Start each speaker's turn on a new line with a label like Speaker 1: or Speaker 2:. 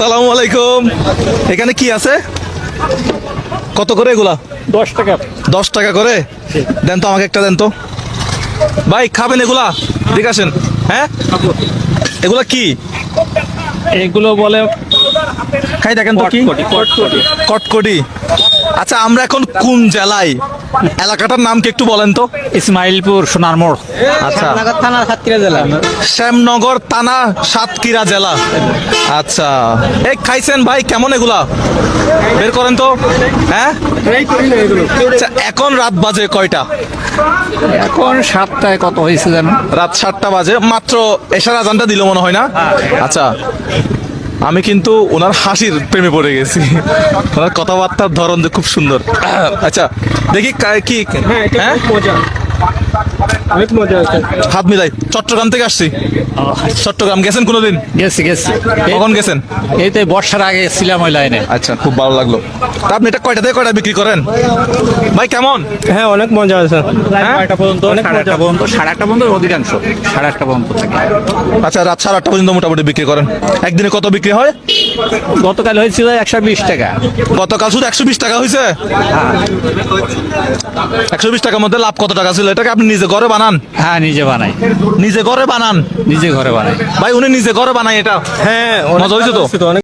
Speaker 1: আসসালামু আলাইকুম। এখানে কি আছে, কত করে এগুলা?
Speaker 2: 10 টাকা।
Speaker 1: 10 টাকা করে দেন তো, আমাকে একটা দেন তো ভাই। খাবেন এগুলা? ঠিক আছেন। হ্যাঁ, এগুলা কি?
Speaker 2: এগুলো বলে
Speaker 1: খাই দেখেন তো কি? কটকটি। আচ্ছা, আমরা এখন কোন জেলায়? এলাকাটার নাম কি একটু বলেন তো?
Speaker 2: ইসমাইলপুর, সোনার মোড়।
Speaker 1: আচ্ছা,
Speaker 2: থানার সাতক্ষীরা জেলা।
Speaker 1: শ্যামনগর থানা, সাতক্ষীরা জেলা। আচ্ছা, এই খাইছেন ভাই? কেমন এগুলা? বের করেন তো। হ্যাঁ, আচ্ছা, এখন রাত বাজে কয়টা?
Speaker 2: এখন 7টায় কত হয়েছে জানো?
Speaker 1: রাত 7টা বাজে মাত্র। এশার আজানটা দিল মনে হয় না? আচ্ছা, আমি কিন্তু ওনার হাসির প্রেমে পড়ে গেছি। ওনার কথাবার্তার ধরন যে খুব সুন্দর। আচ্ছা, দেখি কি। হ্যাঁ,
Speaker 2: অনেক মজা আছে।
Speaker 1: হাত মিলাই। চট্টগ্রাম থেকে আসছি। চট্টগ্রাম গেছেন কোনোদিন?
Speaker 2: গেছি।
Speaker 1: কখন গেছেন?
Speaker 2: এই তো বর্ষার আগে ছিলাম ওই লাইনে।
Speaker 1: আচ্ছা, খুব ভালো লাগলো। তা আপনি এটা কয়টা থেকে কয়টা বিক্রি করেন ভাই? কেমন?
Speaker 2: হ্যাঁ, অনেক মজা আছে।
Speaker 1: হ্যাঁ?
Speaker 2: 8টা পর্যন্ত, 8টা পর্যন্ত, 8:30 পর্যন্ত অধিকাংশ 8:30 পর্যন্ত থাকে।
Speaker 1: আচ্ছা, রাত 8:30 পর্যন্ত মোটামুটি বিক্রি করেন। একদিনে কত বিক্রি হয়?
Speaker 2: গতকাল হয়েছিল 120 টাকা।
Speaker 1: গতকাল শুধু 120 টাকা হয়েছে? 120 টাকার মধ্যে লাভ কত টাকা ছিল? এটাকে আপনি নিজে ঘরে বানান?
Speaker 2: হ্যাঁ, নিজে বানাই।
Speaker 1: নিজে ঘরে বানান
Speaker 2: নিজে ঘরে বানাই।
Speaker 1: ভাই? উনি নিজে ঘরে বানায় এটা?
Speaker 2: হ্যাঁ,
Speaker 1: মজা হয়েছে তো?